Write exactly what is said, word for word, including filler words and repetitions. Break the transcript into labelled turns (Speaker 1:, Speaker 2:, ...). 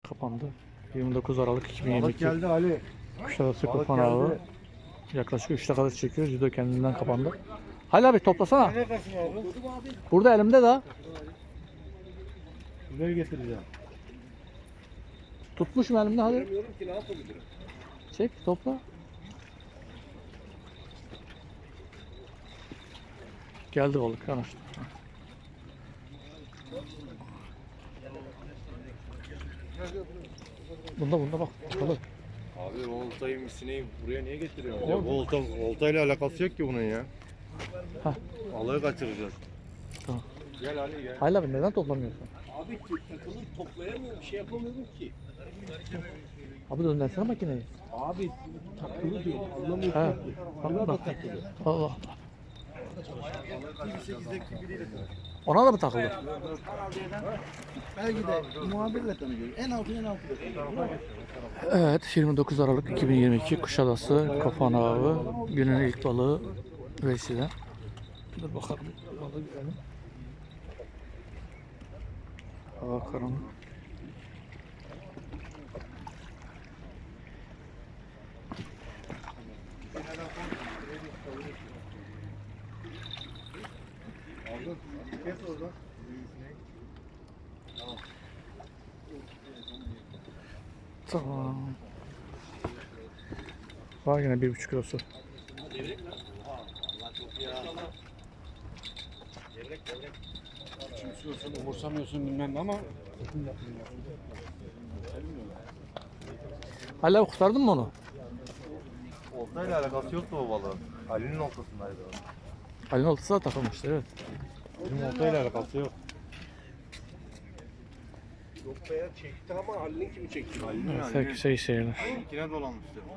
Speaker 1: kapandı. yirmi dokuz Aralık iki bin yirmi
Speaker 2: Balık
Speaker 1: iki
Speaker 2: geldi Ali.
Speaker 1: Kuşadası
Speaker 2: Balık
Speaker 1: Kafan Avı.
Speaker 2: geldi.
Speaker 1: Yaklaşık üç dakikadır çekiyoruz. Judo kendinden kapandı. Halil abi toplasana.
Speaker 2: Neredesin abi?
Speaker 1: Burada elimde de.
Speaker 2: Buraya getireceğim.
Speaker 1: Tutmuşum elimde hadi.
Speaker 3: Bilmiyorum ki ne yapabilirim.
Speaker 1: Çek topla. Geldi balık yanaştı. Bunda bunda bak balık.
Speaker 3: Abi oltayı misineyi buraya niye getiriyorsun?
Speaker 2: Ya bu olta, oltayla alakası yok ki bunun ya.
Speaker 1: Hah.
Speaker 2: Balığı kaçıracağız.
Speaker 1: Tamam.
Speaker 3: Gel Ali gel.
Speaker 1: Halil abi neden toplamıyorsun?
Speaker 3: Abi takılı toplayamıyorum. Bir şey yapamıyorum ki.
Speaker 1: Abi döndürsene makineyi.
Speaker 3: Abi takılı diyor. Anlamıyorum.
Speaker 1: He.
Speaker 3: ki.
Speaker 1: Bak
Speaker 3: Burada da
Speaker 1: bak.
Speaker 3: takılı.
Speaker 1: Allah Allah. Ona da mı takıldı?
Speaker 4: Belki de muhabirle tanıyoruz. En altı en altı.
Speaker 1: Evet, yirmi dokuz Aralık iki bin yirmi iki Kuşadası Kafan Avı. Günün ilk balığı Veysi'den. Dur bakalım. Balığı görelim. Hava karanlık. Tamam. Var yine bir buçuk kilosu.
Speaker 2: Kimsiyorsun, umursamıyorsun bilmem ama.
Speaker 1: Hala kurtardın mı onu?
Speaker 2: Oltayla alakası yoktu o balığın. Ali'nin oltasındaydı o.
Speaker 1: Halin oltası da takılmıştı evet.
Speaker 2: Bizim oltayla alakası yok.
Speaker 3: Noktaya çekti ama Ali'nin kimi çekti?
Speaker 2: Ali'nin
Speaker 1: Evet, şey şeyler.
Speaker 2: İkine dolanmıştı.